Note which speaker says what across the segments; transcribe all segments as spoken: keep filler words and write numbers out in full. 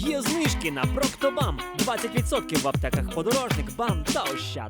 Speaker 1: Є знижки на Проктобам. двадцять відсотків в аптеках Подорожник, БАМ та Ощад.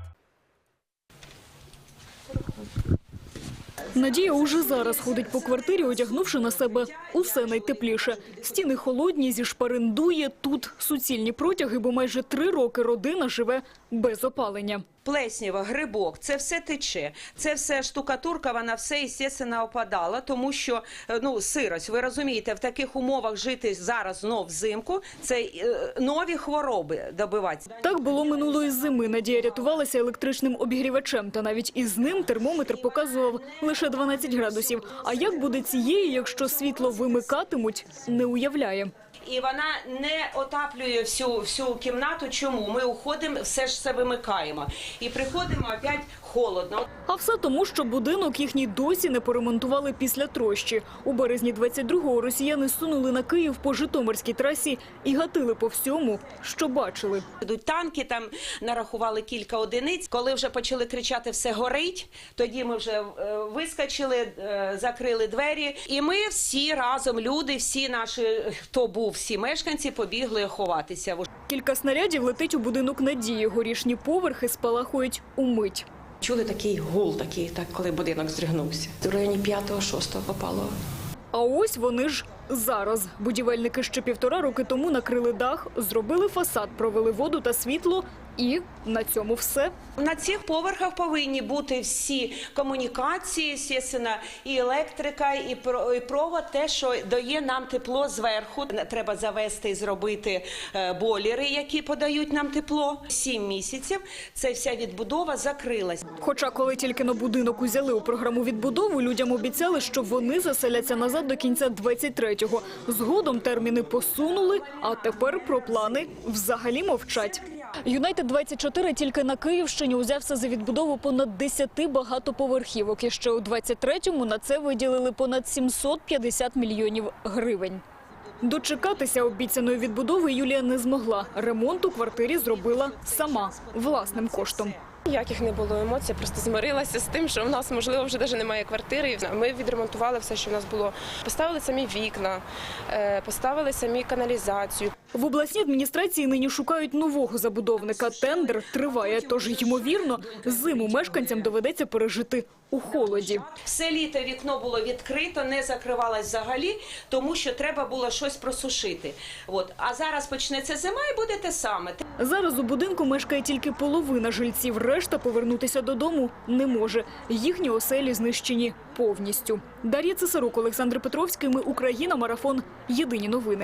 Speaker 2: Надія уже зараз ходить по квартирі, одягнувши на себе усе найтепліше. Стіни холодні, зі шпарин дує, тут суцільні протяги, бо майже три роки родина живе без опалення.
Speaker 3: Плеснява, грибок, це все тече, це все штукатурка, вона все, звісно, опадала, тому що, ну, сирость, ви розумієте, в таких умовах жити зараз знов взимку, це е, нові хвороби добивати.
Speaker 2: Так було минулої зими. Надія рятувалася електричним обігрівачем, та навіть із ним термометр показував лише дванадцять градусів. А як буде цієї, якщо світло вимикатимуть, не уявляє.
Speaker 3: І вона не отаплює всю, всю кімнату. Чому? Ми уходимо, все ж все вимикаємо. І приходимо, опять холодно.
Speaker 2: А все тому, що будинок їхній досі не поремонтували після трощі. У березні двадцять другого росіяни сунули на Київ по Житомирській трасі і гатили по всьому, що бачили.
Speaker 3: Йдуть танки, там нарахували кілька одиниць. Коли вже почали кричати «все горить», тоді ми вже е, вискочили, е, закрили двері. І ми всі разом, люди, всі наші, хто був, всі мешканці, побігли ховатися.
Speaker 2: Кілька снарядів летить у будинок Надії. Горішні поверхи спалахують умить.
Speaker 4: Чули такий гул, такий, так, коли будинок здригнувся. В районі п'ятого-шостого попало.
Speaker 2: А ось вони ж зараз. Будівельники ще півтора роки тому накрили дах, зробили фасад, провели воду та світло. І на цьому все.
Speaker 3: На цих поверхах повинні бути всі комунікації, звісно, і електрика, і провод, те, що дає нам тепло зверху. Треба завести і зробити бойлери, які подають нам тепло. Сім місяців ця вся відбудова закрилась.
Speaker 2: Хоча, коли тільки на будинок узяли у програму відбудову, людям обіцяли, що вони заселяться назад до кінця двадцять третього. Згодом терміни посунули, а тепер про плани взагалі мовчать. Юнайтед двадцять чотири тільки на Київщині узявся за відбудову понад десяти багатоповерхівок. І ще у двадцять третьому на це виділили понад сімсот п'ятдесят мільйонів гривень. Дочекатися обіцяної відбудови Юлія не змогла. Ремонт у квартирі зробила сама, власним коштом.
Speaker 4: Ніяких не було емоцій, просто змирилася з тим, що в нас, можливо, вже навіть немає квартири. Ми відремонтували все, що в нас було. Поставили самі вікна, поставили самі каналізацію.
Speaker 2: В обласній адміністрації нині шукають нового забудовника. Тендер триває, тож, ймовірно, зиму мешканцям доведеться пережити у холоді.
Speaker 3: Все літо вікно було відкрито, не закривалось взагалі, тому що треба було щось просушити. От. А зараз почнеться зима і буде те саме.
Speaker 2: Зараз у будинку мешкає тільки половина жильців, решта повернутися додому не може. Їхні оселі знищені повністю. Дар'я Цесарук, Олександр Петровський, ми Україна, марафон, єдині новини.